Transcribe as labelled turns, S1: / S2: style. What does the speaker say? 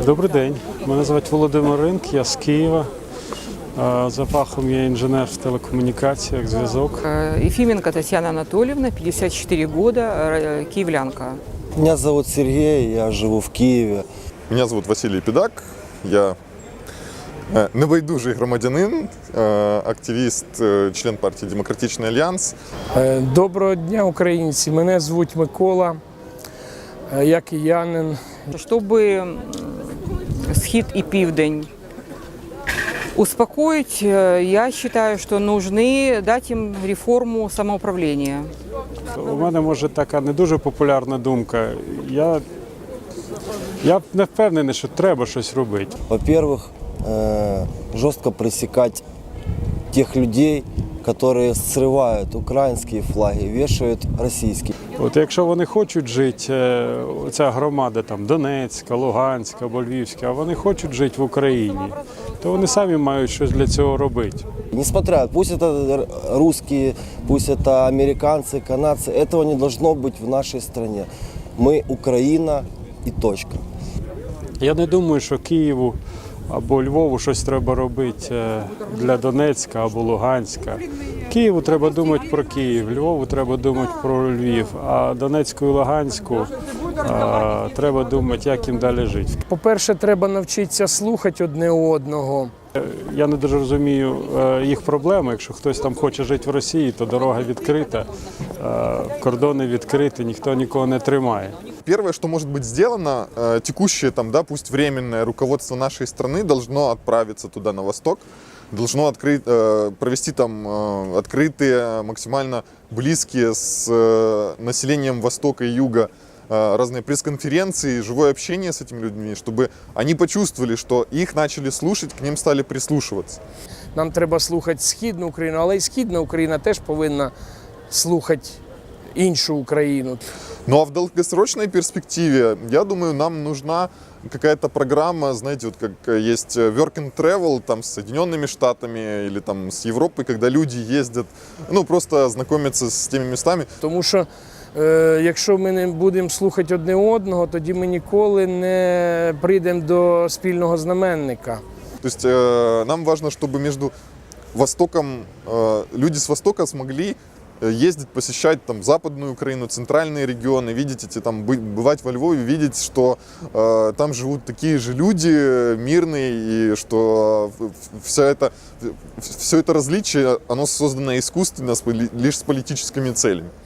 S1: Добрий день, мене звати Володимир Ринк, я з Києва. За фахом я інженер в телекомунікаціях, зв'язок.
S2: Ефименко Татьяна Анатольевна, 54 года, киевлянка.
S3: Меня зовут Сергей, я живу в Киеве.
S4: Меня зовут Василий Педак, я небайдужий громадянин, активіст, член партії «Демократичний альянс».
S5: Доброго дня, українці! Мене звуть Микола, я киянин.
S2: Чтобы Схід и Південь успокоить, я считаю, что нужны дать им реформу самоуправления.
S1: У мене, може, така не дуже популярна думка. Я не впевнений, що треба щось робити.
S3: Во-первых, жестко пресекать тех людей, которые срывают украинские флаги, вешают российские.
S1: От якщо вони хочуть жити, ця громада там Донецька, Луганська або Львівська, а вони хочуть жити в Україні, то вони самі мають щось для цього робити.
S3: Несмотря, пусть это русские, пусть это американцы, канадцы, этого не должно быть в нашей стране. Мы Украина и точка.
S1: Я не думаю, що Києву або Львову щось треба робити для Донецька або Луганська. Києву треба думати про Київ, Львову треба думати про Львів, а Донецьку і Луганську треба думати, як їм далі жити.
S5: По-перше, треба навчитися слухати одне одного.
S1: Я не дуже розумію їх проблеми. Якщо хтось там хоче жити в Росії, то дорога відкрита, кордони відкриті, ніхто нікого не тримає.
S4: Первое, что может быть сделано, текущее, там, да, пусть временное руководство нашей страны должно отправиться туда на восток, должно провести там открытые, максимально близкие с населением Востока и Юга разные пресс-конференции, живое общение с этими людьми, чтобы они почувствовали, что их начали слушать, к ним стали прислушиваться.
S5: Нам треба слухати Східну Україну, але і Східна Україна теж повинна слухати іншу Україну.
S4: Ну а в долгосрочной перспективе, я думаю, нам нужна какая-то программа, знаете, вот как есть work and travel там, с Соединенными Штатами или там, с Европой, когда люди ездят, ну просто знакомятся с теми местами.
S5: Тому що якщо ми не будемо слухати одне одного, тоді ми ніколи не прийдемо до спільного знаменника.
S4: То есть нам важно, чтобы между Востоком, люди с Востока смогли ездить, посещать там Западную Украину, центральные регионы, видеть эти, там, бывать во Львове, видеть, что там живут такие же люди мирные, и что все это различие, оно создано искусственно, лишь с политическими целями.